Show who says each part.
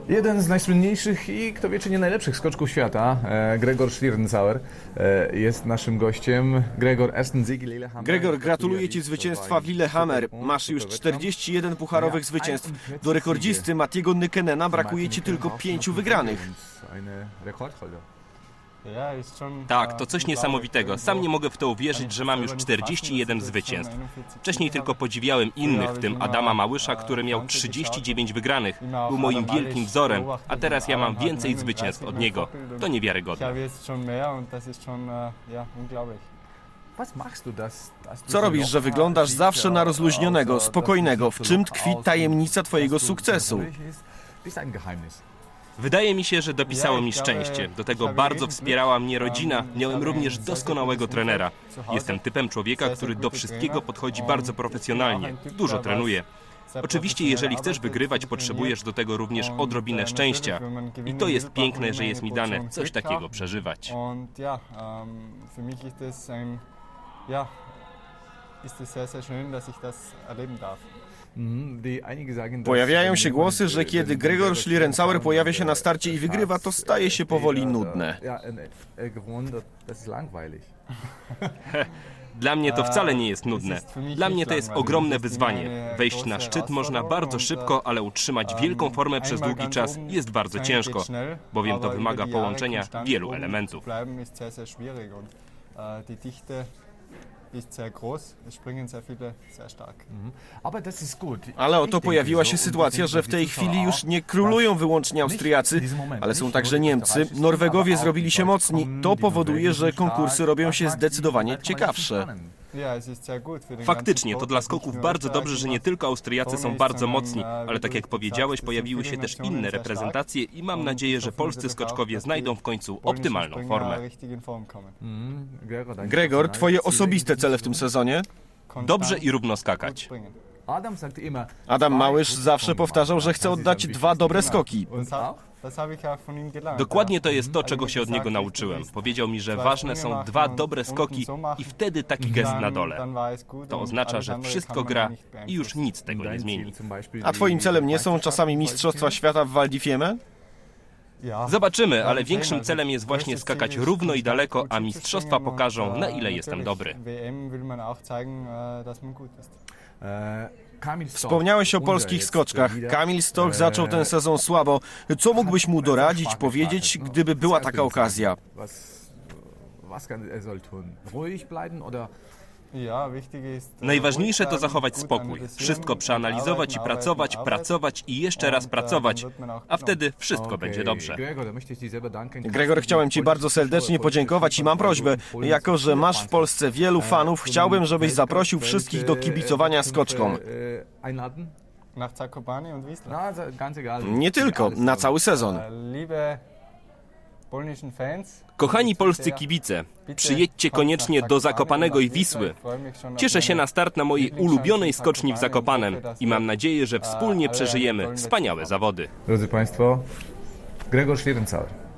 Speaker 1: Jeden z najsłynniejszych i kto wie czy nie najlepszych skoczków świata, Gregor Schlierenzauer, jest naszym gościem. Gregor, ersten Sieg in Lillehammer.
Speaker 2: Gregor, gratuluję Ci zwycięstwa w Lillehammer. Masz już 41 pucharowych zwycięstw. Do rekordzisty Mattiego Nyckenena brakuje Ci tylko 5 wygranych.
Speaker 3: Tak, to coś niesamowitego. Sam nie mogę w to uwierzyć, że mam już 41 zwycięstw. Wcześniej tylko podziwiałem innych, w tym Adama Małysza, który miał 39 wygranych. Był moim wielkim wzorem, a teraz ja mam więcej zwycięstw od niego. To niewiarygodne.
Speaker 2: Co robisz, że wyglądasz zawsze na rozluźnionego, spokojnego? W czym tkwi tajemnica Twojego sukcesu?
Speaker 3: Wydaje mi się, że dopisało mi szczęście. Do tego bardzo wspierała mnie rodzina. Miałem również doskonałego trenera. Jestem typem człowieka, który do wszystkiego podchodzi bardzo profesjonalnie. Dużo trenuje. Oczywiście, jeżeli chcesz wygrywać, potrzebujesz do tego również odrobinę szczęścia. I to jest piękne, że jest mi dane coś takiego przeżywać.
Speaker 2: Pojawiają się głosy, że kiedy Gregor Schlierenzauer pojawia się na starcie i wygrywa, to staje się powoli nudne.
Speaker 3: Dla mnie to wcale nie jest nudne. Dla mnie to jest ogromne wyzwanie. Wejść na szczyt można bardzo szybko, ale utrzymać wielką formę przez długi czas jest bardzo ciężko, bowiem to wymaga połączenia wielu elementów.
Speaker 2: Ale oto pojawiła się sytuacja, że w tej chwili już nie królują wyłącznie Austriacy, ale są także Niemcy. Norwegowie zrobili się mocni. To powoduje, że konkursy robią się zdecydowanie ciekawsze.
Speaker 3: Faktycznie, to dla skoków bardzo dobrze, że nie tylko Austriacy są bardzo mocni, ale tak jak powiedziałeś, pojawiły się też inne reprezentacje i mam nadzieję, że polscy skoczkowie znajdą w końcu optymalną formę.
Speaker 2: Gregor, Twoje osobiste cele w tym sezonie?
Speaker 3: Dobrze i równo skakać.
Speaker 2: Adam Małysz zawsze powtarzał, że chce oddać 2 dobre skoki.
Speaker 3: Dokładnie to jest to, czego się od niego nauczyłem. Powiedział mi, że ważne są 2 dobre skoki i wtedy taki gest na dole. To oznacza, że wszystko gra i już nic tego nie zmieni.
Speaker 2: A Twoim celem nie są czasami Mistrzostwa Świata w Val di Fiemme?
Speaker 3: Zobaczymy, ale większym celem jest właśnie skakać równo i daleko, a mistrzostwa pokażą, na ile jestem dobry.
Speaker 2: Wspomniałeś o polskich skoczkach. Kamil Stoch zaczął ten sezon słabo. Co mógłbyś mu doradzić, powiedzieć, gdyby była taka okazja?
Speaker 3: Najważniejsze to zachować spokój. Wszystko przeanalizować i pracować i jeszcze raz pracować, a wtedy wszystko będzie dobrze.
Speaker 2: Gregor, chciałem Ci bardzo serdecznie podziękować i mam prośbę. Jako że masz w Polsce wielu fanów, chciałbym, żebyś zaprosił wszystkich do kibicowania skoczkom. Nie tylko, na cały sezon.
Speaker 3: Kochani polscy kibice, przyjedźcie koniecznie do Zakopanego i Wisły. Cieszę się na start na mojej ulubionej skoczni w Zakopanem i mam nadzieję, że wspólnie przeżyjemy wspaniałe zawody.
Speaker 1: Drodzy Państwo, Gregor Schlierenzauer.